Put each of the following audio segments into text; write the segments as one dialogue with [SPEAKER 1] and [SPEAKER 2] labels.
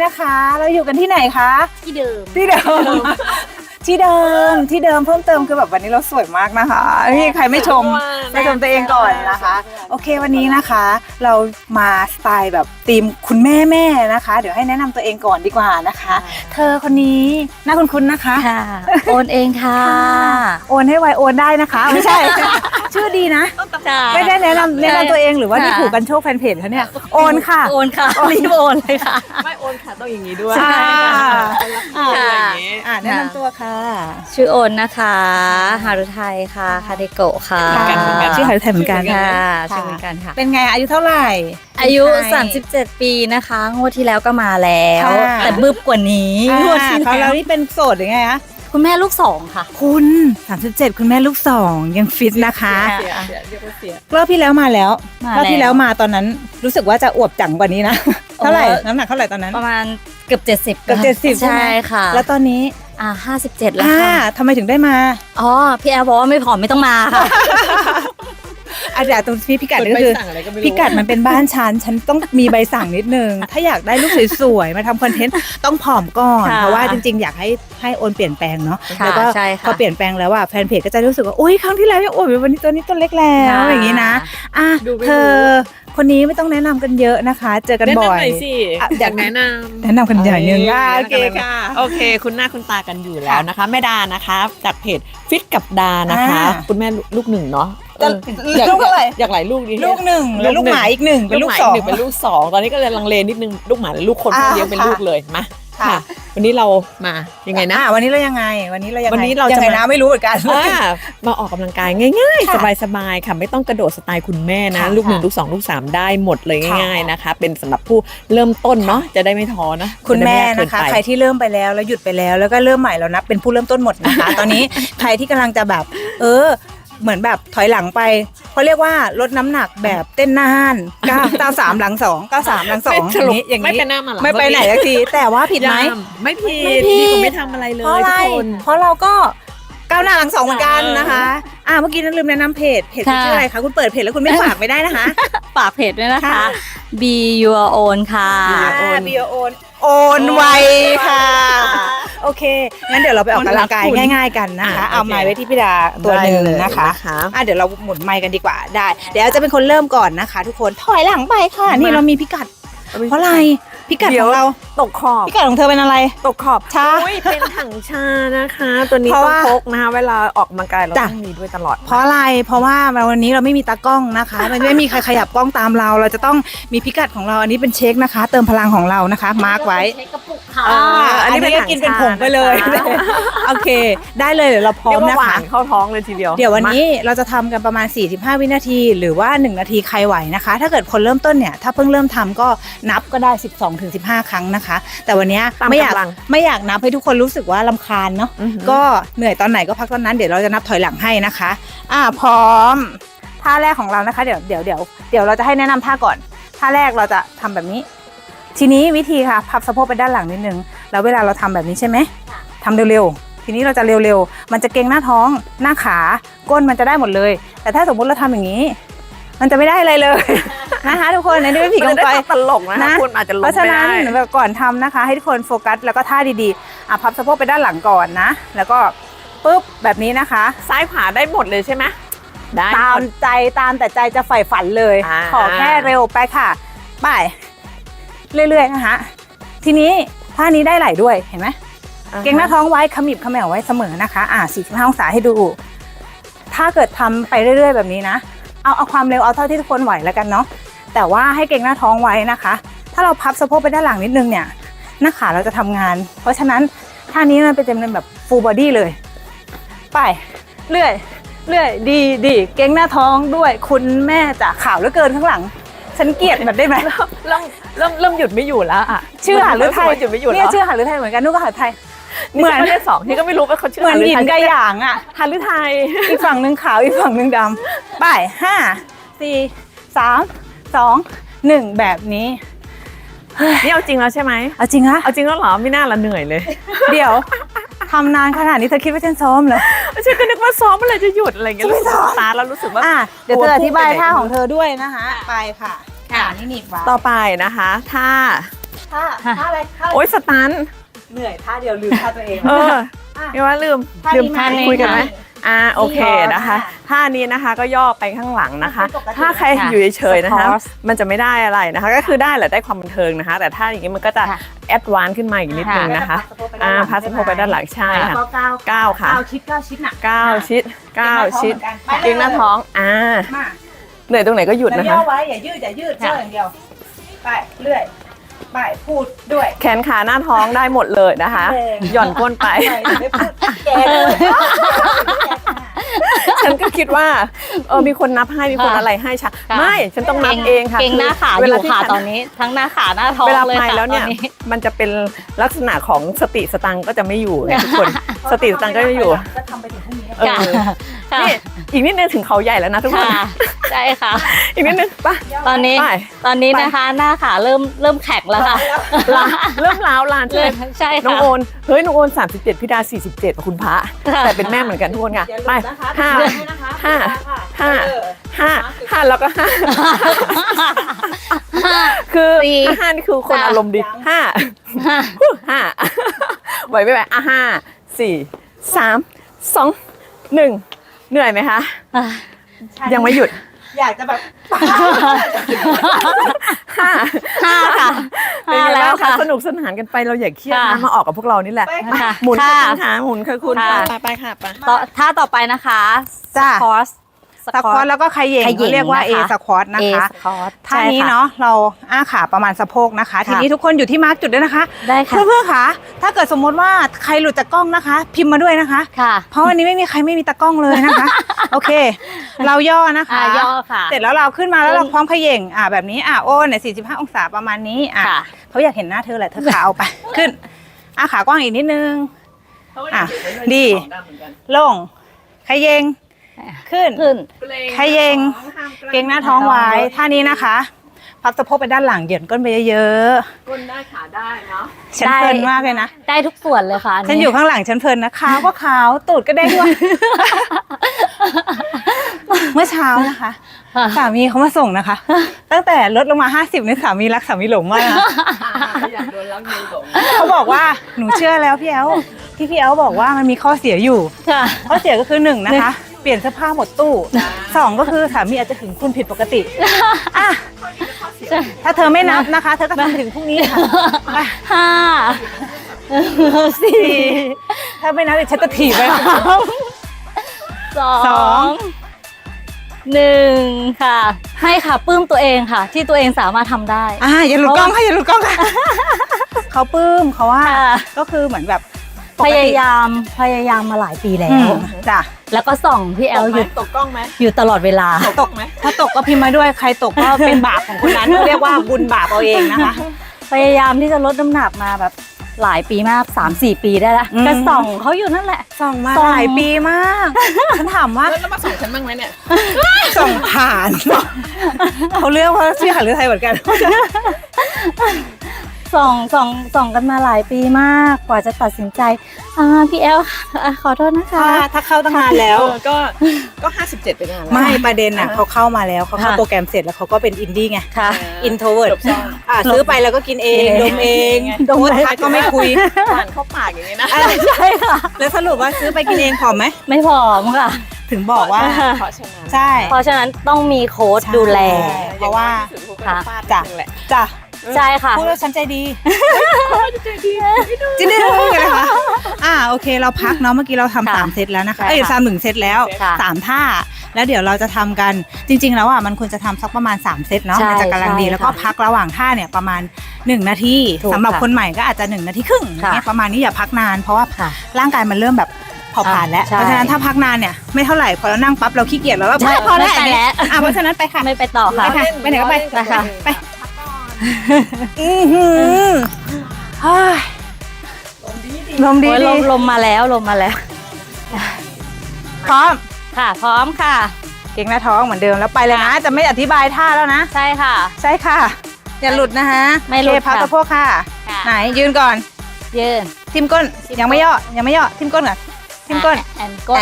[SPEAKER 1] นะคะเราอยู่กันที่ไหนคะ
[SPEAKER 2] ที่เดิม
[SPEAKER 1] ที่เดิมที่เดิมเพิ่มเติมคือแบบวันนี้เราสวยมากนะคะนี่ใครไม่ชมตัวเองก่อนนะคะโอเควันนี้นะคะเรามาสไตล์แบบธีมคุณแม่นะคะเดี๋ยวให้แนะนำตัวเองก่อนดีกว่านะคะเธอคนนี้น่าคุ้นๆนะคะ
[SPEAKER 2] ค่ะโอนเองค่ะ
[SPEAKER 1] โอนให้ไวโอนได้นะคะไม่ใช่ ชื่อดีนะไม่ได้แนะนำตัวเองหรือว่านี่ถูกกันโชคแฟนเพจเขาเนี่ยโอนค่ะ
[SPEAKER 2] รีบโอนเลยค่ะ
[SPEAKER 3] ไม่โอนค่ะต้องอย่างนี้ด้วย
[SPEAKER 1] แนะนำตัวค่ะ
[SPEAKER 2] ชื่อโอนนะคะฮารุไทยค่ะคาเดโกะค่ะ
[SPEAKER 1] ชื่อฮารุไทยเหมือนกัน
[SPEAKER 2] ค่ะชื่อเหมือนกันค่ะ
[SPEAKER 1] เป็นไงอายุเท่าไหร่
[SPEAKER 2] อายุ37ปีนะคะงวดที่แล้วก็มาแล้วแต่บึบกว่านี้
[SPEAKER 1] งวดที่แล้วนี่เป็นโสดหรือไงคะ
[SPEAKER 2] คุณแม่ลูก2ค่ะ
[SPEAKER 1] คุณ37คุณแม่ลูก2ยังฟิตนะคะรอบที่แล้วมาแล้วรอบที่แล้วมาตอนนั้นรู้สึกว่าจะอวบจังกว่านี้นะเท่าไหร่น้ำหนักเท่าไหร่ตอนนั้น
[SPEAKER 2] ประมาณเกือบ70
[SPEAKER 1] ใช่
[SPEAKER 2] ค่ะ
[SPEAKER 1] แล้วตอนนี้
[SPEAKER 2] 57แล้วค่ะ
[SPEAKER 1] ทำไมถึงได้มา
[SPEAKER 2] อ๋อพี่แอร์บอกว่าไม่ผอมไม่ต้องมาค่ะ
[SPEAKER 1] อาจารย์ตรงที่พิกัดก็คือพิกัดมันเป็นบ้านฉันต้องมีใบสั่งนิดนึงถ้าอยากได้ลูกสวยๆมาทำคอนเทนต์ต้องผอมก่อนเพราะว่าจริงๆอยากให้โอนเปลี่ยนแปลงเนาะแล้วก็พอเปลี่ยนแปลงแล้วแฟนเพจก็จะรู้สึกว่าโอ๊ยครั้งที่แล้วยังโอ้ยวันนี้ตัวนี้ตัวเล็กแล้วอย่างนี้นะเธอคนนี้ไม่ต้องแนะนำกันเยอะนะคะเจอกันบ่อย
[SPEAKER 3] อยากแนะ
[SPEAKER 1] นำกันอย่างนึงโอเคค่ะ
[SPEAKER 3] โอเคคุณหน้าคุณตากันอยู่แล้วนะคะแม่ดานะคะจากเพจฟิตกับดานะคะคุณแม่ลูก1เนาะ
[SPEAKER 1] ลูกเท่าไหร่
[SPEAKER 3] อยากหลายลูกดี
[SPEAKER 1] ลูก1แล้วลูกหมาอีก1เป็นลูก2
[SPEAKER 3] เป็นลูก2ตอนนี้ก็เลยลังเลนิดนึงลูกหมาหรือลูกคนเลี้ยงเป็นลูกเลยมาค่ะวันนี้เรามายังไงนะ
[SPEAKER 1] วันนี้เรายังไงวันนี้เรา
[SPEAKER 3] จะ
[SPEAKER 1] นะไม่รู้เหมือนกัน
[SPEAKER 3] มาออกกำลังกายง่ายๆสบายๆค่ะไม่ต้องกระโดดสไตล์คุณแม่นะลูก1ลูก2ลูก3ได้หมดเลยง่ายๆนะคะเป็นสำหรับผู้เริ่มต้นเนาะจะได้ไม่ท้อนะ
[SPEAKER 1] คุณแม่นะคะใครที่เริ่มไปแล้วหยุดไปแล้วก็เริ่มใหม่แล้วนับเป็นผู้เริ่มต้นหมดนะคะตอนนี้ใครที่กำลังจะแบบเหมือนแบบถอยหลังไปเขาเรียกว่าลดน้ำหนักแบบเต้นหน้าห้าน93หลัง2 93หลัง2อย่างนี้
[SPEAKER 3] ไม่ไปหน้ามาหลัง
[SPEAKER 1] ไม่ไปไหนสักทีแต่ว่าผิดไหม
[SPEAKER 3] ไม่ผิดดีกว่าไม่ทำอะไรเลยทุกคน
[SPEAKER 1] เพราะเราก็ก้าวหน้าหลัง2เหมือนกันนะคะเมื่อกี้นั้นลืมแนะนำเพจชื่ออะไรคะคุณเปิดเพจแล้วคุณไม่ฝากไม่ได้นะคะ
[SPEAKER 2] ฝากเพจด้วยนะคะ Be Your Own ค่ะ
[SPEAKER 1] Be Your Own โอนไวค่ะโอเคงั้นเดี๋ยวเราไปออกกำลังกายง่ายๆกันนะคะเอาไม้ไว้ที่พี่ดาตัวหนึ่งนะคะเดี๋ยวเราหมุนไม้กันดีกว่าได้เดี๋ยวจะเป็นคนเริ่มก่อนนะคะทุกคนถอยหลังไปค่ะนี่เรามีพิกัดเพราะอะไรพิกัดของเรา
[SPEAKER 3] ตกขอบ
[SPEAKER 1] พิกัดของเธอเป็นอะไร
[SPEAKER 3] ตกขอบ
[SPEAKER 1] ชา
[SPEAKER 3] เป็นถังชานะคะตัวนี้ต้องพกนะคะเวลาออกกำลังกายเราต้องมีด้วยตลอด
[SPEAKER 1] เพราะอะไรเพราะว่าวันนี้เราไม่มีตากล้องนะคะมันไม่มีใครขยับกล้องตามเราจะต้องมีพิกัดของเราอันนี้เป็นเช็คนะคะเติมพลังของเรานะคะมาร์กไว้อันนี้เป็นกินเป็นผงไปเลยโอเคได้เลยเดี๋ยวเราพร้อมนะคะ
[SPEAKER 3] เข้าท้องเลยทีเดียว
[SPEAKER 1] เดี๋ยววันนี้เราจะทำกันประมาณ45วินาทีหรือว่า1นาทีใครไหวนะคะถ้าเกิดคนเริ่มต้นเนี่ยถ้าเพิ่งเริ่มทำก็นับก็ได้12-15 ครั้งนะคะแต่วันนี้ไม่อยากนับให้ทุกคนรู้สึกว่ารำคาญเนาะก็เหนื่อยตอนไหนก็พักตอนนั้นเดี๋ยวเราจะนับถอยหลังให้นะคะพร้อมท่าแรกของเรานะคะเดี๋ยวเราจะให้แนะนำท่าก่อนท่าแรกเราจะทำแบบนี้ทีนี้วิธีค่ะพับสะโพกไปด้านหลังนิดนึงแล้วเวลาเราทำแบบนี้ใช่ไหมทำเร็วๆทีนี้เราจะเร็วๆมันจะเกร็งหน้าท้องหน้าขาก้นมันจะได้หมดเลยแต่ถ้าสมมุติเราทำอย่างนี้มันจะไม่ได้อะไรเลยนะคะทุกคนอันนี้เป็นผีกองไฟ
[SPEAKER 3] ตลกนะคุณอาจจะลงไม่ได้
[SPEAKER 1] เพราะฉะนั้นแบบก่อนทำนะคะให้ทุกคนโฟกัสแล้วก็ท่าดีๆพับสะโพกไปด้านหลังก่อนนะแล้วก็ปุ๊บแบบนี้นะคะ
[SPEAKER 3] ซ้ายขวาได้หมดเลยใช่ไหมได้
[SPEAKER 1] ตามแต่ใจจะใฝ่ฝันเลยขอแค่เร็วไปค่ะไปเรื่อยๆนะคะทีนี้ท่านี้ได้ไหลด้วยเห็นไหมเกร็งหน้าท้องไว้ขมิบเขมวไว้เสมอนะคะ45องศาให้ดูถ้าเกิดทำไปเรื่อยๆแบบนี้นะเอาความเร็วเอาเท่าที่ทุกคนไหวแล้วกันเนาะแต่ว่าให้เกร็งหน้าท้องไว้นะคะถ้าเราพับสะโพกไปด้านหลังนิดนึงเนี่ยหน้าขาเราจะทำงานเพราะฉะนั้นท่านี้มันเป็นแบบ full body เลยไปเรื่อยดีเกร็งหน้าท้องด้วยคุณแม่จะข่าวเหลือเกินข้างหลังฉันเกลียดแบบได้ไหม
[SPEAKER 3] เริ่มหยุดไม่อยู่แล้ว
[SPEAKER 1] ชื่อหาหรือไทย
[SPEAKER 3] หยุดไม่อยู่
[SPEAKER 1] เนี่ยชื่อหาหรือไทยเหมือนกันนู่นก็หาไทย
[SPEAKER 3] เหมือนเลข2ที่ก็ไม่รู้ว่าเขาชื่อ
[SPEAKER 1] เหมือนหยินกับหยาง
[SPEAKER 3] หาหรือไทย
[SPEAKER 1] อีกฝั่งนึงขาวอีกฝั่งนึงดำไป5 4 3 2 1แบบนี้
[SPEAKER 3] นี่เอาจริงแล้วใช่ไหม
[SPEAKER 1] เอาจริงนะ
[SPEAKER 3] เอาจริงแล้วเหรอไม่น่าละเหนื่อยเลย
[SPEAKER 1] เดี๋ยวทำนานขนาดนี้เธอคิดว่าฉันซ้อมเหรอ
[SPEAKER 3] ฉันก็นึกว่าซ้อมเมื่อไหร่จะหยุดอะไรเงี้ยรู้สึกตาแล้วรู้สึกว่า
[SPEAKER 1] เดี๋ยวเธออธิบายท่าของเธอด้วยนะคะไปค่ะนี่หนีบไว้
[SPEAKER 3] ต่อไปนะคะท่า
[SPEAKER 1] ท่าอะไรท่า
[SPEAKER 3] โอ๊ยสตัน
[SPEAKER 1] เหนื่อยท่าเดียวลืมท่าตัวเอง
[SPEAKER 3] เออเรียกว่าลืม
[SPEAKER 1] ท่านี้ไหม
[SPEAKER 3] คุยกันไหมโอเค
[SPEAKER 1] นี่เหรอ
[SPEAKER 3] นะคะท่านี้นะคะก็ย่อไปข้างหลังนะคะ
[SPEAKER 1] ปกติ
[SPEAKER 3] ถ้าใครอยู่เฉยๆนะคะ
[SPEAKER 2] Squat
[SPEAKER 3] มันจะไม่ได้อะไรนะคะ ก็คือได้แหละได้ความบันเทิงนะคะ แต่ถ้าอย่างนี้มันก็จะ
[SPEAKER 2] ค่ะ
[SPEAKER 3] แอดวานซ์ขึ้นมาอีกนิดนึงนะคะพาสโพไปด้านหลังใช่ค่ะ
[SPEAKER 1] ก้าว
[SPEAKER 3] ค่ะ
[SPEAKER 1] ก้าวชิดน่ะ
[SPEAKER 3] 9 ชิด 9 ชิด
[SPEAKER 1] ไปเลย
[SPEAKER 3] เอียงหน้าท้อง
[SPEAKER 1] มา
[SPEAKER 3] เหนื่อยตรงไหนก็หยุด
[SPEAKER 1] แล้ว
[SPEAKER 3] นะ
[SPEAKER 1] ย่อ
[SPEAKER 3] คะ
[SPEAKER 1] ไว้อย่ายืดเจ้าอย่างเดียวไปเรื่อยไปพูดด้วย
[SPEAKER 3] แขนขาหน้าท้องได้หมดเลยนะคะ หย่อนก้นไป
[SPEAKER 1] ไม่พูดแกเลย
[SPEAKER 3] ฉันก็คิดว่ามีคนนับให้มีคนอะไรให้ฉันไม่ฉันต้องนับเองค่ะ
[SPEAKER 2] เก่งหน้าขา
[SPEAKER 3] เว
[SPEAKER 2] อ
[SPEAKER 3] ล
[SPEAKER 2] ยู่
[SPEAKER 3] ที่
[SPEAKER 2] ค่ะ
[SPEAKER 3] ฉัน
[SPEAKER 2] ตอนนี้ทั้งหน้าขาหน้าท้อง
[SPEAKER 3] เวลา
[SPEAKER 2] เลย
[SPEAKER 3] ไป
[SPEAKER 2] ค่ะ
[SPEAKER 3] แล้วเนี่ย
[SPEAKER 2] ตอ
[SPEAKER 3] มันจะเป็นลักษณะของสติสตังค์ก็จะไม่อยู่ไงทุกคนสติสตังค์ก็ไม่อยู่
[SPEAKER 1] ก็ทำไปถึงพรุ่งนี้
[SPEAKER 3] เออ
[SPEAKER 2] ค่ะ
[SPEAKER 3] นี่อีกนิดนึงถึงเขาใหญ่แล้วนะทุกคน
[SPEAKER 2] ค่ะใช่ค่ะ
[SPEAKER 3] อีกนิดนึงป่ะ
[SPEAKER 2] ตอนนี้
[SPEAKER 3] ไป
[SPEAKER 2] ตอนนี้นะคะหน้าขาเริ่มแข็งแล้วค่ะ
[SPEAKER 3] เริ่มล้าวลานใช่ไหม
[SPEAKER 2] ใช่
[SPEAKER 3] น้อง
[SPEAKER 2] ค่ะ
[SPEAKER 3] โอนเฮ้ยน้องโอน37พี่ดา47คุณพระ
[SPEAKER 2] ค่ะ
[SPEAKER 3] แต่เป็นแม่เหมือนกันทุกคนค่ะ
[SPEAKER 1] อย่าลื
[SPEAKER 3] ไป
[SPEAKER 1] มนะคะ
[SPEAKER 3] ห้า
[SPEAKER 1] นะคะ
[SPEAKER 3] ห้า ห้า ห้าแล้วก็5คือ
[SPEAKER 2] สี่
[SPEAKER 3] ห้านี่คือคน
[SPEAKER 2] สาม
[SPEAKER 3] อารมณ์ดีห้า ห้าไหวไม่ไหว5 4 3 2 1เหนื่อยไหมคะ ยังไม่หยุด
[SPEAKER 1] อยากจะแบบ
[SPEAKER 3] ห้า
[SPEAKER 2] ห้าค่ะ
[SPEAKER 3] เป็นไง
[SPEAKER 2] ห้าแล้
[SPEAKER 3] บ้าว งคะ
[SPEAKER 2] ค่ะ
[SPEAKER 3] สนุกสนานกันไปเราอย่าเครียด
[SPEAKER 2] ค่ะ
[SPEAKER 3] นะมาออกกับพวกเรานี่แหละ
[SPEAKER 1] ไป
[SPEAKER 3] มา
[SPEAKER 2] ค่ะ
[SPEAKER 3] หมุน
[SPEAKER 2] ค่ะ
[SPEAKER 3] ค่ะคุณขาหมุนค่ะคุณ
[SPEAKER 2] ค่ะ
[SPEAKER 3] ไปค่ะไป
[SPEAKER 2] ท่าต่อไปนะคะ
[SPEAKER 1] จ้า
[SPEAKER 2] คอร์ส
[SPEAKER 1] สควอตแล้วก็ขย่ง
[SPEAKER 2] ขย่ง
[SPEAKER 1] เขาเรียกว่า A
[SPEAKER 2] นะคะ
[SPEAKER 1] สควอตนะ
[SPEAKER 2] เอ
[SPEAKER 1] คะ
[SPEAKER 2] สคอร์ส
[SPEAKER 1] ท่านี้เนาะเราอ้าขาประมาณสะโพกนะคะ ทีนี้ทุกคนอยู่ที่มาร์กจุดด้วยนะคะ
[SPEAKER 2] ได้ค่ะ
[SPEAKER 1] เพื่อนๆค่ะถ้าเกิดสมมติว่าใครหลุดจากกล้องนะคะ พิมพ์มาด้วยนะคะ
[SPEAKER 2] ค่ะ
[SPEAKER 1] เพราะวันนี้ไม่มีใครไม่มีตากล้องเลยนะคะ โอเค เราย่อนะคะ
[SPEAKER 2] ย่อค่ะ
[SPEAKER 1] เสร็จแล้วเราขึ้นมาแล้วเราพร้อมเขย่งแบบนี้โอ้เนี่ย45 องศาประมาณนี้
[SPEAKER 2] ค่ะ
[SPEAKER 1] เขาอยากเห็นหน้าเธอแหละเธอขาเอาไป ขึ้นขากว้างอีกนิดนึง ดีลงขย่งขึ้น
[SPEAKER 2] ขึ้น
[SPEAKER 1] ขย่งเกรงหน้าท้องไว้ท่านี้นะคะพับสะโพกไปด้านหลังเหยียดก้นไปเยอะ
[SPEAKER 3] ก้นได้ขาได้เนาะ
[SPEAKER 1] ๆฉันเพลินมากเลยนะ
[SPEAKER 2] ได้ทุกส่วนเลยค่ะ
[SPEAKER 1] ฉันอยู่ข้างหลังฉันเพลินนะขาวก็ขาวตูดก็เด้งด้วย เมื่อเช้านะคะ
[SPEAKER 2] ค่ะ
[SPEAKER 1] สามีเขามาส่งนะคะ ตั้งแต่ลดลงมา50เนี่ยสามีรักสามีหลงมากนะ
[SPEAKER 3] อยากโดนรักเงินหลง
[SPEAKER 1] เขาบอกว่าหนูเชื่อแล้วพี่แอลที่พี่แอลบอกว่ามันมีข้อเสียอยู่
[SPEAKER 2] ค่ะ
[SPEAKER 1] ข้อเสียก็คือ1นะคะ เปลี่ยนเสื้อผ้าหมดตู้2ก็คือสามีอาจจะถึงคุณผิดปกติอ่ะถ้าเธอไม่นับนะคะ เธอก็ทำถึงพรุ่งนี้ค่ะไป
[SPEAKER 2] ห้าสี่
[SPEAKER 1] ถ้าไม่นับเดี๋ยวฉันจะถีบไป
[SPEAKER 2] สอ
[SPEAKER 1] สอง
[SPEAKER 2] งหนึ่งค่ะ ให้ค่ะปลื้มตัวเองค่ะ ที่ตัวเองสามารถทำได้
[SPEAKER 1] อย่าหลุดกล้องค่ะอย่าหลุดกล้องค่ะ เขาปลื้มเขาว่า
[SPEAKER 2] ค่ะ
[SPEAKER 1] ก็คือเหมือนแบบป
[SPEAKER 2] พ
[SPEAKER 1] กติ
[SPEAKER 2] ยายามมาหลายปีแล้
[SPEAKER 1] อื
[SPEAKER 2] ว
[SPEAKER 1] มจ้ะ
[SPEAKER 2] แล้วก็ส่องพี่แอลอยู่
[SPEAKER 3] ตกกล้องไหม
[SPEAKER 2] อยู่ตลอดเวลา
[SPEAKER 1] ตกไหมถ้าตกก็พิมพ์มาด้วยใครตกก็เป็นบาปของคนนั้น เรียกว่าบุญบาปเอาเองนะคะ
[SPEAKER 2] พยายามที่จะลดน้ำหนักมาแบบหลายปีมาก 3-4 ปีได้แล้ว
[SPEAKER 1] อืม
[SPEAKER 2] ก็ส่องเขาอยู่นั่นแหละ
[SPEAKER 1] ส่องมา
[SPEAKER 2] ส่อง
[SPEAKER 1] หลายปีมากฉันถามว่า
[SPEAKER 3] แล้วมาส่งฉันบ้างไหมเนี่ย
[SPEAKER 1] ส่องผ่าน เขาเลือกว่าชื่อหารือไทยเหมือนกัน
[SPEAKER 2] ส่องกันมาหลายปีมากกว่าจะตัดสินใจพี่แอลขอโทษนะคะ
[SPEAKER 1] ถ้าเข้าตั้งนานแล้ว
[SPEAKER 3] ก็57ไปนานแล้ว
[SPEAKER 1] ไม่ประเด็นน่ะเขาเข้ามาแล้วเขาเข้าโปรแกรมเสร็จแล้วเขาก็เป็นอินดี้ไง
[SPEAKER 2] ค่ะ
[SPEAKER 1] อินโทรเวิร์ดซื้อไปแล้วก็กินเองดมเอง
[SPEAKER 2] ดม
[SPEAKER 1] โพส
[SPEAKER 2] เอง
[SPEAKER 1] ต์ทักก็ไม่คุย
[SPEAKER 3] หวานเข้าปากอย่างนี้นะ
[SPEAKER 2] ใช่ค่ะ
[SPEAKER 1] แล้วสรุปว่าซื้อไปกินเองผอมไหม
[SPEAKER 2] ไม่ผอมค่ะ
[SPEAKER 1] ถึงบอกว่า
[SPEAKER 3] เพราะฉะนั้น
[SPEAKER 1] ใช่
[SPEAKER 2] เพราะฉะนั้นต้องมีโค้ชดูแล
[SPEAKER 1] เพราะว่า
[SPEAKER 2] ค่ะ
[SPEAKER 1] จ้ะจ้ะ
[SPEAKER 2] ใช่ค่ะ
[SPEAKER 1] พูดแล้วฉันใจดีจินได้รู้กันนะคะโอเคเราพักเนาะเมื่อกี้เราทำ
[SPEAKER 2] ค่ะ
[SPEAKER 1] 3 เซตแล้วนะคะ
[SPEAKER 2] ใช่ค่ะ
[SPEAKER 1] 1 เซตแล้ว
[SPEAKER 2] ค่ะ
[SPEAKER 1] 3 ท่า แล้วเดี๋ยวเราจะทำกันจริงๆแล้วมันควรจะทำสักประมาณ3 เซตเนาะ
[SPEAKER 2] ใช่
[SPEAKER 1] มันจะกำลังดี
[SPEAKER 2] ใช่
[SPEAKER 1] แล้วก็
[SPEAKER 2] ค่ะ
[SPEAKER 1] พักระหว่างท่าเนี่ยประมาณ1 นาที
[SPEAKER 2] ถูก
[SPEAKER 1] สำหรับ
[SPEAKER 2] ค่ะ
[SPEAKER 1] คนใหม่ก็อาจจะ1 นาทีครึ่ง
[SPEAKER 2] ค่ะ
[SPEAKER 1] เนี่ยประมาณนี้อย่าพักนานเพราะว่า
[SPEAKER 2] ค่ะ
[SPEAKER 1] ร่างกายมันเริ่มแบบเผาผลาญแล้ว
[SPEAKER 2] ใช่
[SPEAKER 1] เพราะฉะนั้นถ้าพักนานเนี่ยไม่เท่าไหร่พอเรานั่งปั๊บเราขี้เกียจแล้ว
[SPEAKER 2] ใช่
[SPEAKER 1] พอแล้ว
[SPEAKER 2] ไม่ไป
[SPEAKER 1] อันนี้
[SPEAKER 2] แล้ว
[SPEAKER 1] เพราะฉะนั้นไปค่ะ
[SPEAKER 2] ไม่ไปต่อ
[SPEAKER 1] ไป
[SPEAKER 2] ค่ะ
[SPEAKER 1] ค่ะไปไหนก็ไป
[SPEAKER 2] ไปค่ะ
[SPEAKER 1] ไปอื้อหือเฮ้ยลมดี
[SPEAKER 2] โอ้ย
[SPEAKER 1] ดี
[SPEAKER 2] ลมมาแล้วลมมาแล้ว
[SPEAKER 1] พร้อม
[SPEAKER 2] ค่ะ พร้อมค่ะ
[SPEAKER 1] เก่งหน้าท้องเหมือนเดิมแล้วไปเลยนะ จะไม่อธิบายท่าแล้วนะ
[SPEAKER 2] ใช่ค่ะ
[SPEAKER 1] ใช่ค่ะ อย่าหลุดนะฮะ
[SPEAKER 2] ไม่หลุด
[SPEAKER 1] โอเคพับ
[SPEAKER 2] ค่ะ
[SPEAKER 1] สะโพกค่ะ
[SPEAKER 2] ค่ะ
[SPEAKER 1] ไหนยืนก่อน
[SPEAKER 2] ยืน
[SPEAKER 1] ทิมก้นยังไม่ย่อยังไม่ย่อทิมก้นก่อนทิมก้น
[SPEAKER 2] แอนก้น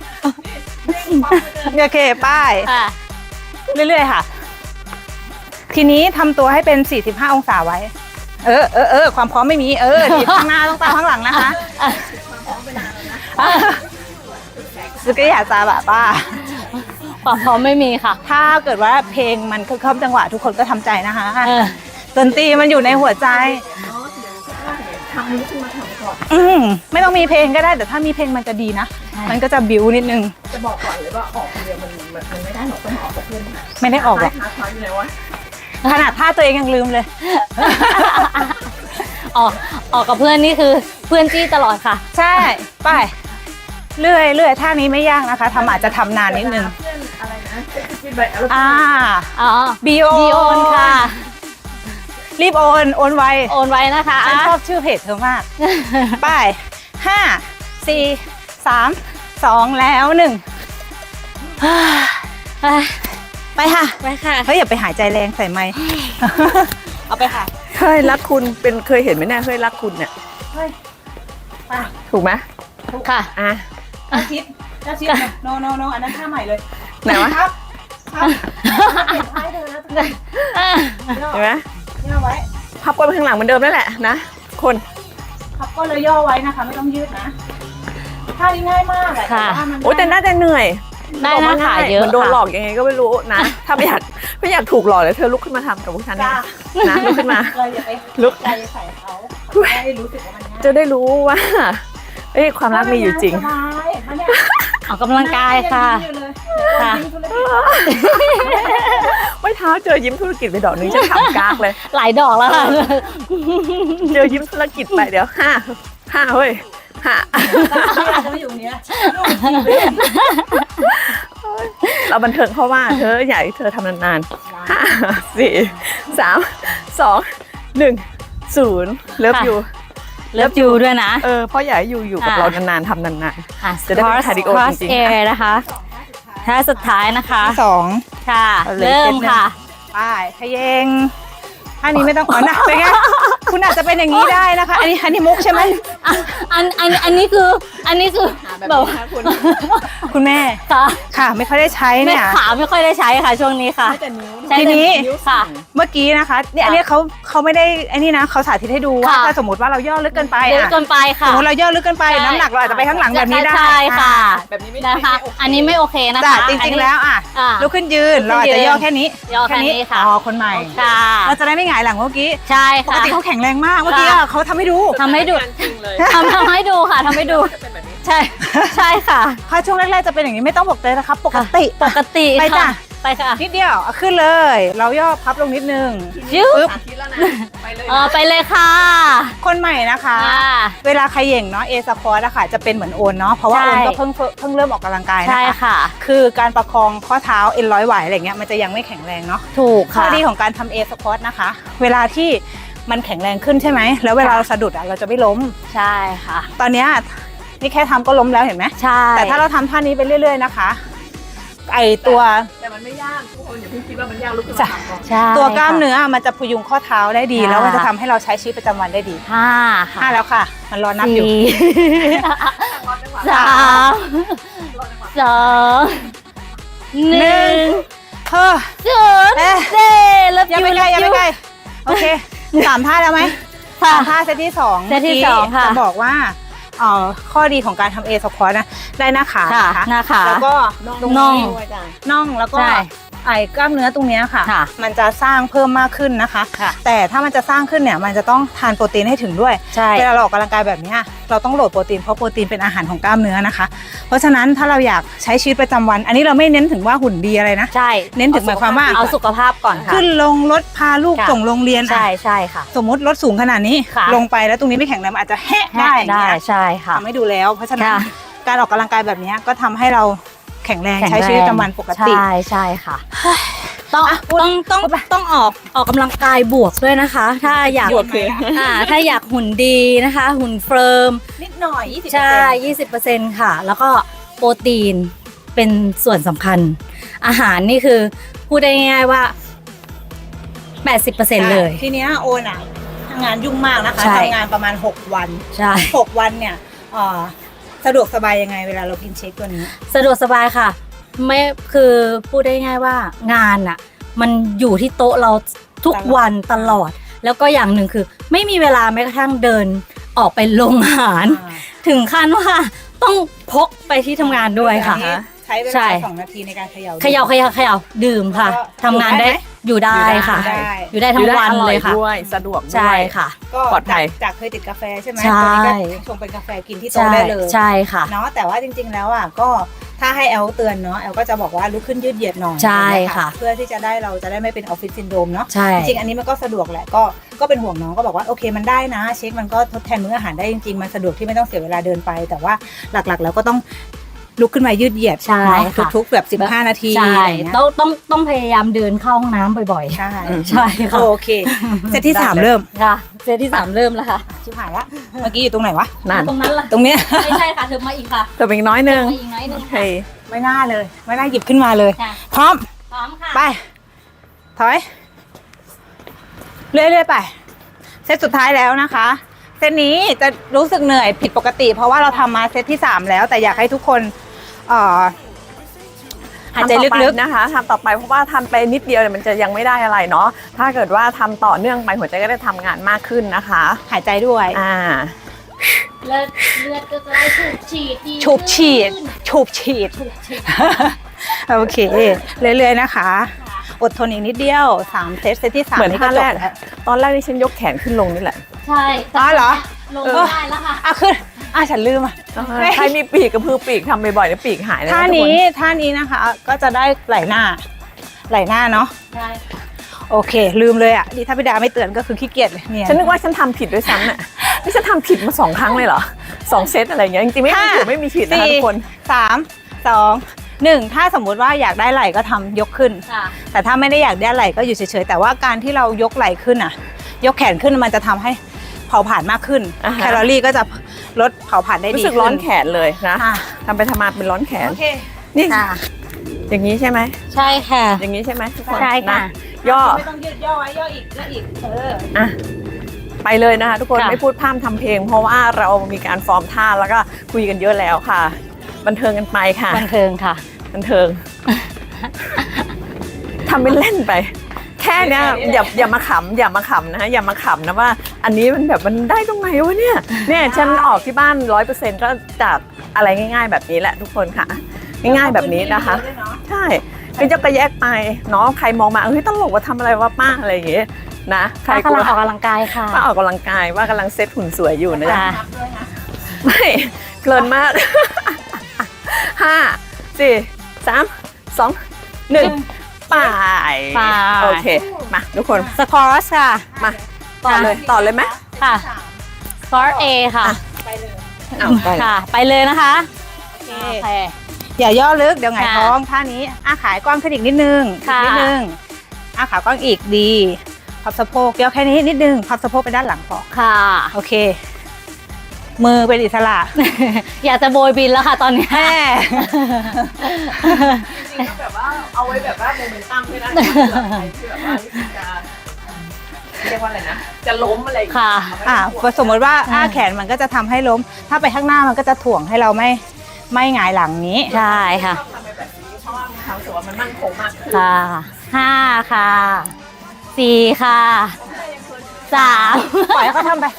[SPEAKER 1] โอเคป้าย
[SPEAKER 2] ค่ะ
[SPEAKER 1] เรื่อยๆค่ะทีนี้ทำตัวให้เป็น45องศาไว้ความพร้อมไม่มีดีข้างหน้าต้องตามข้างหลังนะคะสุกี้อยากจะแบบว่า
[SPEAKER 2] ความพร้อมไม่มีค่ะ
[SPEAKER 1] ถ้าเกิดว่าเพลงมันเข้าจังหวะทุกคนก็ทำใจนะคะดนตรีมันอยู่ในหัวใจไม่ต้องมีเพลงก็ได้แต่ถ้ามีเพลงมันจะดีนะมันก็จะบิ้วนิดนึงจะบอกก่อนเลยว่าออกเดียวมันไม่ได้หรอกต้องออกกับเพื่อนไม่ได้ออกหรอกขนาดท่าตัวเองยังลืมเลย
[SPEAKER 2] ออกกับเพื่อนนี่คือเพื่อนจี้ตลอดค่ะ
[SPEAKER 1] ใช่ไปเรื่อยท่านี้ไม่ยากนะคะอาจจะทำนานนิดนึงบีโอนค่ะรีบโอนไว
[SPEAKER 2] โอนไว้นะคะ
[SPEAKER 1] ฉันชอบชื่อเพจเธอมาก ไป5 4 3 2แล้ว1ไปค่ะ
[SPEAKER 2] ไปค่ะ
[SPEAKER 1] เฮ้ยอย่าไปหายใจแรงใส่ไมค์ เอาไปค่ะ
[SPEAKER 3] เคยรักคุณเคยเห็นไหมเนี่ยเคยรักคุณเนี่ย
[SPEAKER 1] เฮ้ยไป
[SPEAKER 3] ถูกไหม
[SPEAKER 2] ค่ะ
[SPEAKER 3] อ่ะ
[SPEAKER 1] ชิดโนอันนั้นท่าใหม่เลย
[SPEAKER 3] ไหนวะ
[SPEAKER 1] ครับเปลี่ยนท้ายเธอแล้ว
[SPEAKER 3] เห็นไหม
[SPEAKER 1] ย่อไว้
[SPEAKER 3] พับก้นไปข้างหลังเหมือนเดิมนั่นแหละนะคน
[SPEAKER 1] พับก็เลยย่อไว้นะคะไม่ต้องยืดนะท่านี้ง่ายมากแหละ
[SPEAKER 2] ค่ะ
[SPEAKER 3] โอ้แต่น่าจะเหนื่อย
[SPEAKER 2] ได้หน้าขาเยอะ
[SPEAKER 3] มันโดน
[SPEAKER 2] ค่ะ
[SPEAKER 3] หลอกยังไงก็ไม่รู้นะ ถ้าไม่อยากถูกหลอกเลยเธอลุกขึ้นมาทำกับพวกฉันเนี่ยนะลุกขึ้นมา
[SPEAKER 1] เราอย่าไป
[SPEAKER 3] ลุก
[SPEAKER 1] ใจใส่เขาจะได้รู้สึกว่ามันง่าย
[SPEAKER 3] จะได้รู้ว่าความรักมีอยู่จริง
[SPEAKER 1] สบายมาเนี่ย
[SPEAKER 2] ออกกำลังกายค่ะ ค่ะ
[SPEAKER 3] ไม่เท้าเจอยิ้มธุรกิจไปดอกนึงจะขำกากเลย
[SPEAKER 2] หลายดอกแล้วค่ะ
[SPEAKER 3] เจอยิ้มธุรกิจไปเดี๋ยวห้าเฮ้ยห้า
[SPEAKER 1] จะไม่อยู่เนี้ย
[SPEAKER 3] เราบันเทิงเพราะว่าเธออยากให้เธอทำนานๆ5 4 3 2 1 0เลิฟยู
[SPEAKER 2] เลิฟยูด้วยนะ
[SPEAKER 3] เพราะอยากให้อยู่กับเรานานๆทำนานๆจะได้เป็นคาร์ดิโอจริง
[SPEAKER 2] แอร์นะคะท่าสุดท้ายนะคะ
[SPEAKER 1] 2
[SPEAKER 2] ค่ะ
[SPEAKER 3] เอาเลย
[SPEAKER 2] เริ่มค่ะ
[SPEAKER 1] ไปขยงท่านี้ไม่ต้องอ๋อนะเป็นไงคุณอาจจะเป็นอย่างนี้ได้นะคะ อันนี้มุกใช่ไหม
[SPEAKER 2] อันนี้คือแบบว่า
[SPEAKER 1] คุณแม่
[SPEAKER 2] ค่ะ
[SPEAKER 1] ค่ะไม่ค่อยได้ใช้
[SPEAKER 2] แม่
[SPEAKER 1] เนี่ย
[SPEAKER 2] ขาไม่ค่อยได้ใช้ค่ะช่วงนี้ค่ะ
[SPEAKER 1] ทีนี้
[SPEAKER 2] ค่ะ
[SPEAKER 1] เมื่อกี้นะคะเนี่ยอันนี้เขาไม่ได้ไอ้นี่นะเขาสาธิตให้ดูว่า
[SPEAKER 2] ค่ะ
[SPEAKER 1] ถ้าสมมติว่าเราย่อลึกเกินไป
[SPEAKER 2] เยอะ
[SPEAKER 1] อะ
[SPEAKER 2] เกินไป
[SPEAKER 1] ส
[SPEAKER 2] ค่ะ
[SPEAKER 1] มมติเราย่อลึกเกินไปน้ำหนักเราอาจจะไปข้างหลังแบบนี้ได้
[SPEAKER 2] ใช่ค่ะ
[SPEAKER 3] แบบนี้ไม่
[SPEAKER 2] นะคะ อันนี้ไม่โอเคนะ
[SPEAKER 1] แต่
[SPEAKER 2] คะ
[SPEAKER 1] จริงๆแล้วอ่ะ
[SPEAKER 2] อ่ะ
[SPEAKER 1] ลุกขึ้นยืนเราอาจจะย่อแค่นี้
[SPEAKER 2] ย่อแค่นี้ค่ะ
[SPEAKER 1] อ๋อคนใหม่
[SPEAKER 2] ค่ะ
[SPEAKER 1] เราจะได้ไม่หงายหลังเมื่อกี้
[SPEAKER 2] ใช่
[SPEAKER 1] ปก
[SPEAKER 2] ค่ะ
[SPEAKER 1] ติเขาแข็งแรงมากเมื่อกี้อะเขาทำให้ดู
[SPEAKER 2] ทำให้ดูทำให้ดูค่ะทำให้ดูใช่ใช่ค่ะ
[SPEAKER 1] ถ้าช่วงแรกๆจะเป็นอย่างนี้ไม่ต้องบอกเลยนะครับปกติ
[SPEAKER 2] ปกติ
[SPEAKER 1] ไปจ้ะ
[SPEAKER 2] ค่ะไปค่ะ
[SPEAKER 1] นิดเดียวเอาขึ้นเลย เราย่อพับลงนิดนึง
[SPEAKER 2] ยิ้ว
[SPEAKER 1] ปึ๊บ
[SPEAKER 2] ไปเลยค่ะ
[SPEAKER 1] คนใหม่นะคะ
[SPEAKER 2] ค่ะ
[SPEAKER 1] เวลาใครเหย่งเนาะเอสควอตอะค่ะจะเป็นเหมือนโอนเนาะเพราะว่า
[SPEAKER 2] ใช่
[SPEAKER 1] โอนก็เพิ่งเริ่มออกกำลังกาย
[SPEAKER 2] ใช่
[SPEAKER 1] นะคะ
[SPEAKER 2] ค่ะ
[SPEAKER 1] คือการประคองข้อเท้าเอ็นร้อยไหวอะไรเงี้ยมันจะยังไม่แข็งแรงเนาะ
[SPEAKER 2] ถูก
[SPEAKER 1] ข้อ
[SPEAKER 2] ค่ะ
[SPEAKER 1] ดีของการทำเอสควอตนะคะ เวลาที่มันแข็งแรงขึ้นใช่ไหมแล้วเวลาเราสะดุดอะเราจะไม่ล้ม
[SPEAKER 2] ใช่ค่ะ
[SPEAKER 1] ตอนเนี้ยนี่แค่ทำก็ล้มแล้วเห็นไหม
[SPEAKER 2] ใช่
[SPEAKER 1] แต่ถ้าเราทำท่านี้ไปเรื่อยๆนะคะไอตัว
[SPEAKER 3] แต่มันไม่ยากทุกคนอย่าเพิ่งคิดว่ามันยากลุกขึ้น
[SPEAKER 1] จ้ะ
[SPEAKER 3] มาทำก่อน
[SPEAKER 2] ใช่
[SPEAKER 1] ตัวกล้ามเนื้อมันจะพยุงข้อเท้าได้ดี
[SPEAKER 2] ค่ะ
[SPEAKER 1] แล้วมันจะทำให้เราใช้ชีวิตประจำวันได้ดี
[SPEAKER 2] ห้าค่ะ
[SPEAKER 1] 5แล้วค่ะ มันรอนับอยู่
[SPEAKER 2] 4 3 2 1
[SPEAKER 1] เฮ้อ
[SPEAKER 2] 0
[SPEAKER 1] เอ๊ะ
[SPEAKER 2] เด้เลิฟ
[SPEAKER 1] อย่า
[SPEAKER 2] ยู
[SPEAKER 1] ไปไกลอย่าไปไกลโอเค3 ท่าแล้วไหม
[SPEAKER 2] ค่ะ
[SPEAKER 1] 3 ท่าเซตที่2
[SPEAKER 2] เซตที่สองค่ะ
[SPEAKER 1] จะบอกว่าข้อดีของการทำเอสควอตนะได้หน้าขา
[SPEAKER 2] ค่ะ
[SPEAKER 1] นะคะ
[SPEAKER 2] หน้าขา
[SPEAKER 1] แล้วก็
[SPEAKER 2] น่อง
[SPEAKER 1] น่องแล้วก็
[SPEAKER 2] ใช่
[SPEAKER 1] ไอ้กล้ามเนื้อตรงเนี้ยค่ะ
[SPEAKER 2] ค่ะ
[SPEAKER 1] มันจะสร้างเพิ่มมากขึ้นนะคะ
[SPEAKER 2] ค่ะ
[SPEAKER 1] แต่ถ้ามันจะสร้างขึ้นเนี่ยมันจะต้องทานโปรตีนให้ถึงด้วย
[SPEAKER 2] ใช่
[SPEAKER 1] เวลาเราออกกำลังกายแบบเนี้ยเราต้องโหลดโปรตีนเพราะโปรตีนเป็นอาหารของกล้ามเนื้อนะคะ เพราะฉะนั้นถ้าเราอยากใช้ชีวิตประจำวัน อันนี้เราไม่เน้นถึงว่าหุ่นดีอะไรนะ
[SPEAKER 2] ใช่
[SPEAKER 1] เน้นถึงหมายความว่า
[SPEAKER 2] เอาสุขภาพก่อนค่ะ
[SPEAKER 1] ขึ้นลงรถพาลูก
[SPEAKER 2] ค่ะ
[SPEAKER 1] ส่งโรงเรียน
[SPEAKER 2] ใช่
[SPEAKER 1] อ่ะ
[SPEAKER 2] ใช่ค่ะ
[SPEAKER 1] สมมติรถสูงขนาดนี้
[SPEAKER 2] ค่ะ
[SPEAKER 1] ลงไปแล้วตรงนี้ไม่แข็งแรงมันอาจจะแหะได้อย่าง
[SPEAKER 2] ได้
[SPEAKER 1] เงี้ย
[SPEAKER 2] ใช่ค่ะ
[SPEAKER 1] ทำให้ดูแล้ว เพราะฉะนั้น
[SPEAKER 2] ค่ะ
[SPEAKER 1] การออกกำลังกายแบบเนี้ยก็ทำให้เราแข็งแรงใช้ชีวิตประจำวันปกติ
[SPEAKER 2] ใช่ใช่ค่ะ ต้องออกกำลังกายบวกด้วยนะคะ ถ้าอยาก
[SPEAKER 3] บวกคือ
[SPEAKER 2] ถ้าอยากหุ่นดีนะคะ หุ่นเฟิร์ม
[SPEAKER 1] นิดหน่อย20%
[SPEAKER 2] ใช่ 20%ค่ะ แล้วก็โปรตีนเป็นส่วนสำคัญ อาหารนี่คือพูดได้ง่ายๆว่า 80% เลย
[SPEAKER 1] ทีเนี้ยโอนอ่ะทำงานยุ่งมากนะคะ
[SPEAKER 2] ใช่
[SPEAKER 1] ทำงานประมาณ6 วัน
[SPEAKER 2] ใช่
[SPEAKER 1] 6 วันเนี่ยสะดวกสบายยังไงเวลาเรากินเชคตัวนี้
[SPEAKER 2] สะดวกสบายค่ะ ไม่คือพูดได้ง่ายว่างานอะมันอยู่ที่โต๊ะเราทุกวันตลอด แล้วก็อย่างหนึ่งคือไม่มีเวลาแม้กระทั่งเดินออกไปโรงอาหาร ถึงขั้นว่าต้องพกไปที่ทำงานด้วยค่ะ
[SPEAKER 1] ใช้เว
[SPEAKER 2] ใช่
[SPEAKER 1] ลา2 นาทีในการเขย่า
[SPEAKER 2] เขย่าดื่มค่ะ
[SPEAKER 1] แล้วก็
[SPEAKER 2] ทำงานได้อยู่ได้ค่ะ
[SPEAKER 1] ได้
[SPEAKER 2] อยู่ได้ทั้งวันเลยค่ะ
[SPEAKER 3] ด้วยสะดวกด้วย
[SPEAKER 2] ใช่ค่ะ
[SPEAKER 1] ก็
[SPEAKER 3] ปลอดภัย
[SPEAKER 1] จากเคยติดกาแฟใช่ไหม
[SPEAKER 2] ใช่
[SPEAKER 1] ตัวนี้ก็ชงเป็นกาแฟกินที่โต๊ะ
[SPEAKER 2] ใช่
[SPEAKER 1] ได้เลย
[SPEAKER 2] ใช่ค่ะ
[SPEAKER 1] เนาะแต่ว่าจริงๆแล้วอ่ะก็ถ้าให้แอลเตือนเนาะแอลก็จะบอกว่าลุกขึ้นยืดเหยียดหน่อย
[SPEAKER 2] ใช่
[SPEAKER 1] น
[SPEAKER 2] ค่ะ
[SPEAKER 1] เพื่อที่จะได้เราจะได้ไม่เป็นออฟฟิศซินโดรมเนาะ
[SPEAKER 2] ใช่
[SPEAKER 1] จริงๆอันนี้มันก็สะดวกแหละก็เป็นห่วงน้องก็บอกว่าโอเคมันได้นะ เช็คมันก็ทดแทนมื้ออาหารได้จริงๆมันสะดวกที่ไม่ต้องเสียเวลาเดินไป แต่ว่าหลักๆแล้วก็ต้องลุกขึ้นมายืดเหยียด
[SPEAKER 2] ใช่
[SPEAKER 1] เนาะ
[SPEAKER 2] ค่ะ
[SPEAKER 1] ทุกๆแบบ15 นาที
[SPEAKER 2] ใช่
[SPEAKER 1] อะไรอย่างเงี้ย
[SPEAKER 2] ต้องพยายามเดินเข้าห้องน้ำบ่อย
[SPEAKER 1] ใช่
[SPEAKER 2] ๆ ใช่ค่ะ
[SPEAKER 1] โอเคเซตที่ 3 เริ่ม
[SPEAKER 2] ค่ะเซตที่ 3 เริ่มแล้วค่ะ
[SPEAKER 1] ชิบหายละเมื่อกี้อยู่ตรงไหนวะ
[SPEAKER 3] นั่น
[SPEAKER 2] ตรงนั้นล่ะ
[SPEAKER 1] ตรงเนี้ย
[SPEAKER 2] ไม่ใช่ค่ะเธอมาอีกค่ะ
[SPEAKER 3] เติมอีกน้อยนึง
[SPEAKER 2] มาอีกน้อยหนึง
[SPEAKER 3] โอเค
[SPEAKER 2] ค่ะ
[SPEAKER 1] ไม่น่าเลยไม่น่าหยิบขึ้นมาเลย
[SPEAKER 2] ค่ะ
[SPEAKER 1] พร้อม
[SPEAKER 2] พร้อมค่ะ
[SPEAKER 1] ไป ถอย เรื่อยๆไป เซตสุดท้ายแล้วนะคะ เซตนี้จะรู้สึกเหนื่อยผิดปกติ เพราะว่าเราทำมาเซตที่ 3 แล้ว แต่อยากให้ทุกคนหายใจลึกๆ
[SPEAKER 3] นะคะทำต่อไปเพราะว่าทำไปนิดเดียวเนี่ยมันจะยังไม่ได้อะไรเนาะถ้าเกิดว่าทำต่อเนื่องไปหัวใจก็ได้ทำงานมากขึ้นนะคะ
[SPEAKER 1] หายใจด้วย
[SPEAKER 2] เลือดก็จะได้สูบฉีดดี
[SPEAKER 1] ฉูบฉีดฉูบฉีด โอเค เรื่อยๆนะคะ อดทนอีกนิดเดียว 3 เซต เซตที่ 3
[SPEAKER 3] เหมือน
[SPEAKER 1] นี่
[SPEAKER 3] ท่า
[SPEAKER 1] ก็จ
[SPEAKER 3] แร
[SPEAKER 1] บ
[SPEAKER 3] ก
[SPEAKER 1] แล้ว
[SPEAKER 3] ตอนแรกที่ฉันยกแขนขึ้นลงนี่แหละ
[SPEAKER 2] ใช่
[SPEAKER 1] อ๋อเหรอ
[SPEAKER 2] ลงได้แล้วค่ะ
[SPEAKER 1] ขึ้นฉันลืมอ่ะ
[SPEAKER 3] ใครมีปีกกับพือปีกทำบ่อยๆแล้วปีกหายนะ
[SPEAKER 1] ท่า
[SPEAKER 3] ทุกค
[SPEAKER 1] นี้นะคะ ก็จะได้ไหลหน้าเนาะ
[SPEAKER 2] ใช่
[SPEAKER 1] โอเค ลืมเลยอ่ะนี่ถ้าพี่ดาไม่เตือนก็คือขี้เกียจเลยเนี่ย
[SPEAKER 3] ฉันนึกว่าฉันทำผิดด้วยซ้ำเนี่ยนี่ฉันทำผิดมา2 ครั้งเลยเหรอ2 เซตอะไรอย่างเงี้ยจริงๆไม่มีถูกไม่มีผิดนะคะทุกคน
[SPEAKER 1] 3 2 1ถ้าสมมุติว่าอยากได้ไหล่ก็ทำยกขึ้น
[SPEAKER 2] ค่ะ
[SPEAKER 1] แต่ถ้าไม่ได้อยากได้ไหล่ก็อยู่เฉยๆแต่ว่าการที่เรายกไหล่ขึ้นอ่ะ ยกแขนขึ้นมันจะทำให้เผาผลาญมากขึ้น
[SPEAKER 3] อ่าฮะ
[SPEAKER 1] แคลอรี่ก็จะลดเผาผลาญได้ดี
[SPEAKER 3] รู้สึกร้อนแขนเลยนะ
[SPEAKER 1] อ่ะ
[SPEAKER 3] ทำไปทำมาเป็นร้อนแขน
[SPEAKER 1] โอเค
[SPEAKER 3] นี่
[SPEAKER 2] ค่ะ
[SPEAKER 3] อย่างนี้ใช่ไหม
[SPEAKER 2] ใช่ค่ะ
[SPEAKER 3] อย่างนี้ใช่ไหมทุกคน
[SPEAKER 2] ใช่ค่ะ
[SPEAKER 3] นย่อ
[SPEAKER 1] ไม่ต้องยืดย่อไว้ย่ออีก
[SPEAKER 3] อ่ะไปเลยนะคะทุกคน
[SPEAKER 2] ค่ะ
[SPEAKER 3] ไม่พูดพร่ำทำเพลง เพราะว่าเรามีการฟอร์มท่าแล้วก็คุยกันเยอะแล้วค่ะ บันเทิงกันไปค่ะ
[SPEAKER 2] บันเทิงค่ะ
[SPEAKER 3] บันเทิง ทำเป็นเล่นไป แค่เนี้ยอย่ามาขำอย่ามาขำนะอย่ามาขำนะว่า อันนี้มันแบบมันได้ตรงไหนวะเนี่ยฉันออกที่บ้าน 100%ก็จากอะไรง่าย ๆ แบบนี้แหละทุกคนค่ะ ง่ายๆแบบนี้นะคะ ใช่ก็จะกระแยกไปเนาะใครมองมาเฮ้ยตลกว่าทำอะไรวะป้าอะไรอย่างเงี้ยนะใคร
[SPEAKER 2] ป้ากำลังออกกำลังกายค่ะ
[SPEAKER 3] ป้าออกกำลังกายว่ากำลังเซ็ตหุ่นสวยอยู่นะจ๊ะ
[SPEAKER 2] ค่ะ
[SPEAKER 3] ไม่เพลินมาก 5 4 3 2 1ไป
[SPEAKER 2] ไป
[SPEAKER 3] โอเคมาทุกคน
[SPEAKER 2] สควอชค่ะ
[SPEAKER 3] มาต่อเลยไหม
[SPEAKER 2] ค่ะสควอชเอค่ะ
[SPEAKER 1] ไปเลย
[SPEAKER 3] เอาไป
[SPEAKER 2] ค่ะ ไปเลยนะคะ
[SPEAKER 1] โอเค
[SPEAKER 2] โอเค
[SPEAKER 1] อย่าย่อลึกเดี๋ยวหงาย
[SPEAKER 2] ค่ะ
[SPEAKER 1] ท้องท่านี้ขายกว้างขึ้นอีกนิดนึง
[SPEAKER 2] ค่ะ
[SPEAKER 1] อีกนิดนึงขากว้างอีกดีพับสะโพกย่อแค่นี้นิดนึงพับสะโพกไปด้านหลังพอ
[SPEAKER 2] ค่ะ
[SPEAKER 1] โอเค มือเป็นอิสระ
[SPEAKER 2] อยากจะโบยบินแล้วค่ะตอนนี้
[SPEAKER 1] แม่
[SPEAKER 3] จริงๆก็แบบว่าเอาไว้แบบว่าโมเมนตัมด้วยนะที่แบบว่าจะเรียกว่าอะไรนะจะล้มอะไรอย่างเงี้ย
[SPEAKER 2] ค่ะ
[SPEAKER 1] สมมติว่าแขนมันก็จะทำให้ล้ม ถ้าไปข้างหน้ามันก็จะถ่วงให้เราไม่หงายหลังนี้
[SPEAKER 2] ใช่ค่ะ
[SPEAKER 3] ชอบทำแบบนี้เพราะว่ามีความรู้สึกว่ามันมั่นคงมากขึ้น
[SPEAKER 2] ค่ะ5ค่ะ4ค่ะ3
[SPEAKER 1] ปล่อยให้เขาทำไป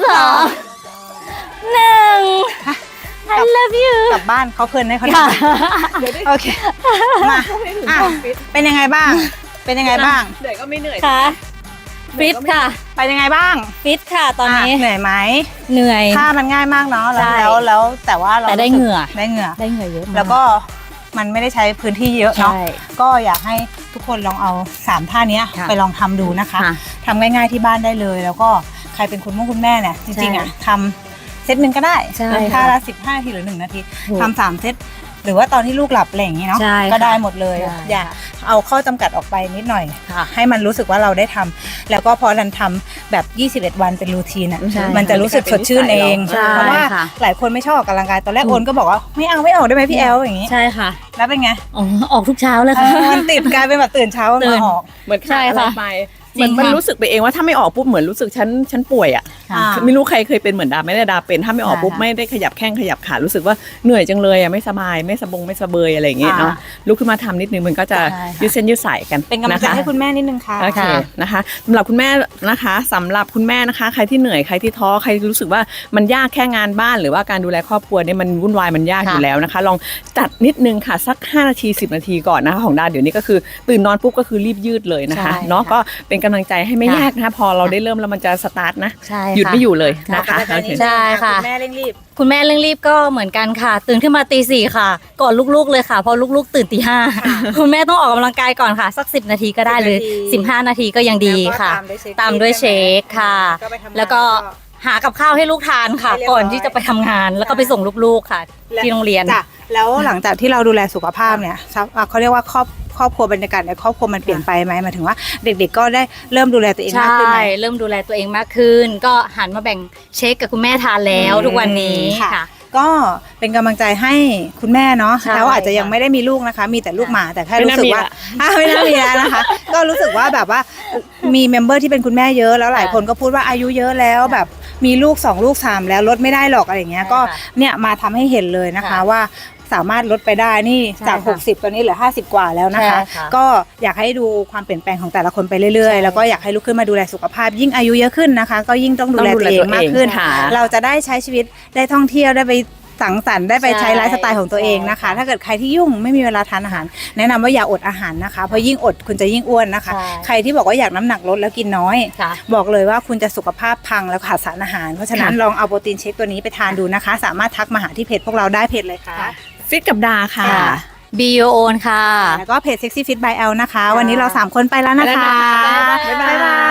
[SPEAKER 2] 2 1 I love you
[SPEAKER 1] กลับบ้านเขาเพลินให้เขาท
[SPEAKER 2] ค่ะ
[SPEAKER 1] ำโอเคมาเป็นยังไงบ้าง เป็นยังไงบ้าง
[SPEAKER 3] เหนื่อยก็ไม่เหนื่อย
[SPEAKER 2] ค่ะฟิตค่ะ
[SPEAKER 1] ไปยังไงบ้าง
[SPEAKER 2] ฟิตค่ะตอนนี้
[SPEAKER 1] เหนื่อยไหม
[SPEAKER 2] เหนื่อย
[SPEAKER 1] ท่ามันง่ายมากเนาะ
[SPEAKER 2] ใช่
[SPEAKER 1] แล้วแต่ว่าเรา
[SPEAKER 2] แต่ได้
[SPEAKER 1] รู้สึก
[SPEAKER 2] เหงื่อ
[SPEAKER 1] ได้เหงื่อ
[SPEAKER 2] ได้เหงื่อเยอะมาก
[SPEAKER 1] แล้วก็มันไม่ได้ใช้พื้นที่เยอะเนาะ
[SPEAKER 2] ใช่
[SPEAKER 1] ก็อยากให้ทุกคนลองเอา3ท่านี้
[SPEAKER 2] ค่ะ
[SPEAKER 1] ไปลองทำดูนะคะ
[SPEAKER 2] ค่ะ
[SPEAKER 1] ทำง่ายๆที่บ้านได้เลย แล้วก็ใครเป็นคุณแม่เนี่ยจริงๆอ่ะทำเซตหนึ่งก็ได้
[SPEAKER 2] ใช่
[SPEAKER 1] ท่า
[SPEAKER 2] ค่ะ
[SPEAKER 1] ละ15นาทีหรือ1นาที
[SPEAKER 2] ถูก
[SPEAKER 1] ทำ3เซตหรือว่าตอนที่ลูกหลับอะไรอย่างงี้เนาะ
[SPEAKER 2] ใช่ค่ะ
[SPEAKER 1] ก็ได้หมดเลย
[SPEAKER 2] ใช่
[SPEAKER 1] อย่าเอาข้อจำกัดออกไปนิดหน่อย
[SPEAKER 2] ค่ะ
[SPEAKER 1] ให้มันรู้สึกว่าเราได้ทำแล้วก็พอรันทำแบบ21วันเป็นรูทีนอ่ะ
[SPEAKER 2] ใช่
[SPEAKER 1] มันจะรู้สึกสดชื่นเอง
[SPEAKER 2] ใช่
[SPEAKER 1] เพราะว่า
[SPEAKER 2] ค่ะ
[SPEAKER 1] หลายคนไม่ชอบออกกำลังกายตอนแรกโอนก็บอกว่าไม่เอาไม่ออกได้ไหมพี่แอลอย่างงี้
[SPEAKER 2] ใช่ค่ะ
[SPEAKER 1] แล้วเป็นไง
[SPEAKER 2] ออกทุกเช้าเลยค่ะ
[SPEAKER 1] มันติดกลายเป็นแบบตื่นเช้า
[SPEAKER 2] ตื่
[SPEAKER 1] มาน ออก
[SPEAKER 3] เหมือน
[SPEAKER 2] ใช่
[SPEAKER 3] ขาดอะไร
[SPEAKER 2] ค่ะ
[SPEAKER 3] ไป
[SPEAKER 2] จริง
[SPEAKER 3] มัน
[SPEAKER 2] ค่ะ
[SPEAKER 3] รู้สึกไปเองว่าถ้าไม่ออกปุ๊บเหมือนรู้สึกฉันป่วยอ่ะ
[SPEAKER 1] อ่า
[SPEAKER 3] ไม่รู้ใครเคยเป็นเหมือนดาไม่ได้ดาเป็นถ้าไม่ออกปุ๊บ
[SPEAKER 1] ค่ะ
[SPEAKER 3] ไม่ได้ขยับแข้งขยับขารู้สึกว่าเหนื่อยจังเลยอ่ะไม่สบายไม่สบายอะไรอย่างเงี้ยเนาะลุกขึ้นมาทำนิดนึงมันก็จะ
[SPEAKER 1] ใช่ค่ะ
[SPEAKER 3] ยืดเส้นยืดสายกัน
[SPEAKER 1] เป็นกำลังใจ
[SPEAKER 3] ะคะ
[SPEAKER 1] ให้คุณแม่นิดนึงค่ะ
[SPEAKER 3] โอเคนะคะสำหรับคุณแม่นะคะสำหรับคุณแม่นะคะใครที่เหนื่อยใครที่ท้อใครรู้สึกว่ามันยากแค่งานบ้านหรือว่าการดูแลครอบครัวเนี่ยมันวุ่นวายมันยากอยู่แล้วนะคะลองจัดนิดนึงค่ะสัก5นาที10นาทีก่อนนะคะของดาเดี๋ยวนี้ก็คือตื่นนอนปุ๊บก็คือรีบยืดเลยนะคะ
[SPEAKER 1] ใช่
[SPEAKER 3] เนาะ
[SPEAKER 1] ค่ะ
[SPEAKER 3] ก็เป็นกำลังใจให้ไม่
[SPEAKER 2] ค่ะ
[SPEAKER 3] ยากนะคะพอเราได้เริ่มแล้วมันจะสตาร์ทนะ
[SPEAKER 2] ใช่
[SPEAKER 3] หยุด
[SPEAKER 2] ค่ะ
[SPEAKER 3] ไม่อยู่เลยนะ
[SPEAKER 1] ขอบ
[SPEAKER 3] คะ
[SPEAKER 1] ณอาจารย์นิดนึง
[SPEAKER 2] ใช่ค่ะ
[SPEAKER 1] คุณแม่เร่งรีบ
[SPEAKER 2] คุณแม่เร่งรีบก็เหมือนกันค่ะ ตื่นขึ้นมาตี4ค่ะ ก่อนลูกๆเลยค่ะเพราะลูกๆตื่นตีห้าคุณแม่ต้องออกกำลังกายก่อนค่ะ สัก10นาทีก็ได้หรือ
[SPEAKER 1] 10
[SPEAKER 2] 15นาทีก็ยังดีค่ะ ตามด้วยเช็คค่ะ แล้วก็หากับข้าวให้ลูกทานค่ะ
[SPEAKER 1] ให้เรียบร้อย
[SPEAKER 2] ก่อนที่จะไปทำงานแล้วก็ไปส่งลูกๆค่ะ ที่โรงเรียน
[SPEAKER 1] จ้ะแล้วหลังจากที่เราดูแลสุขภาพเนี่ยเขาเรียกว่าครอบครัวบรรยากาศในครอบครัวมันเปลี่ยนไปไหมหมายถึงว่าเด็กๆก็ได้เริ่มดูแลตัวเองมาก
[SPEAKER 2] ใช่
[SPEAKER 1] ขึ้นไหม
[SPEAKER 2] เริ่มดูแลตัวเองมากขึ้น ก็หันมาแบ่งเช็คกับคุณแม่ทานแล้วทุกวันนี้
[SPEAKER 1] ค่ะ
[SPEAKER 2] ค่ะ
[SPEAKER 1] ก็เป็นกำลังใจให้คุณแม่เนาะ
[SPEAKER 2] ใช่
[SPEAKER 1] แล้วอาจจะยัง
[SPEAKER 2] ค่ะ
[SPEAKER 1] ไม่ได้มีลูกนะคะ มีแต่ลูกหมาแต่แค่
[SPEAKER 3] ไม่
[SPEAKER 1] รู้
[SPEAKER 3] น่า
[SPEAKER 1] สึก
[SPEAKER 3] มี
[SPEAKER 1] ว่า
[SPEAKER 3] ละ
[SPEAKER 1] ไม่น่ามีแล้วนะคะ ก็รู้สึกว่าแบบว่ามีเมมเบอร์ที่เป็นคุณแม่เยอะแล้วหลายคนก็พูดว่าอายุเยอะแล้วแบบมีลูก2ลูก3แล้วลดไม่ได้หรอกอะไรอย่างเงี้ย
[SPEAKER 2] ใช่
[SPEAKER 1] ก็
[SPEAKER 2] ค่ะ
[SPEAKER 1] เนี่ยมาทำให้เห็นเลยนะคะ
[SPEAKER 2] ค่ะ
[SPEAKER 1] ว่าสามารถลดไปได้นี่
[SPEAKER 2] ใช่
[SPEAKER 1] จาก
[SPEAKER 2] ค่ะ
[SPEAKER 1] 60ตอนนี้เหลือ50กว่าแล้วนะคะ
[SPEAKER 2] ใช่ค่ะ
[SPEAKER 1] ก็อยากให้ดูความเปลี่ยนแปลงของแต่ละคนไปเรื่อย
[SPEAKER 2] ใช่
[SPEAKER 1] ๆ แล้วก็อยากให้ลุกขึ้นมาดูแลสุขภาพ ยิ่งอายุเยอะขึ้นนะคะ ก็ยิ่งต้องดูแล
[SPEAKER 3] ต้องดู
[SPEAKER 1] ตัว
[SPEAKER 3] แล
[SPEAKER 1] เอง
[SPEAKER 3] ตัวเอง
[SPEAKER 1] มากขึ้น
[SPEAKER 3] ค่ะ
[SPEAKER 1] เราจะได้ใช้ชีวิตได้ท่องเที่ยวได้ไปสังสรรค์ได้ไปใช้
[SPEAKER 2] ใช่
[SPEAKER 1] ไลฟ์สไตล์ของตัวเองนะคะ
[SPEAKER 2] ใช่
[SPEAKER 1] ถ้าเกิดใครที่ยุ่งไม่มีเวลาทานอาหาร แนะนำว่าอย่าอดอาหารนะคะ เพราะยิ่งอดคุณจะยิ่งอ้วนนะคะ
[SPEAKER 2] ใช่
[SPEAKER 1] ใครที่บอกว่าอยากน้ำหนักลดแล้วกินน้อย
[SPEAKER 2] ค่ะ
[SPEAKER 1] บอกเลยว่าคุณจะสุขภาพพังแล้วขาดสารอาหาร เพราะฉะนั้นลองเอาโปรตีนเชคตัวนี้ไปทานดูนะคะ สามารถทักมาหาที่เพจพวกเราได้เพจเลยค่ะ
[SPEAKER 3] ฟิตกับดาค่ะ
[SPEAKER 2] ค่ะ Be Your Own ค่ะ
[SPEAKER 1] แล้วก็เพจ Sexy Fit by L นะคะ วันนี้เรา3คนไปแล้วนะคะ
[SPEAKER 3] บ๊ายบาย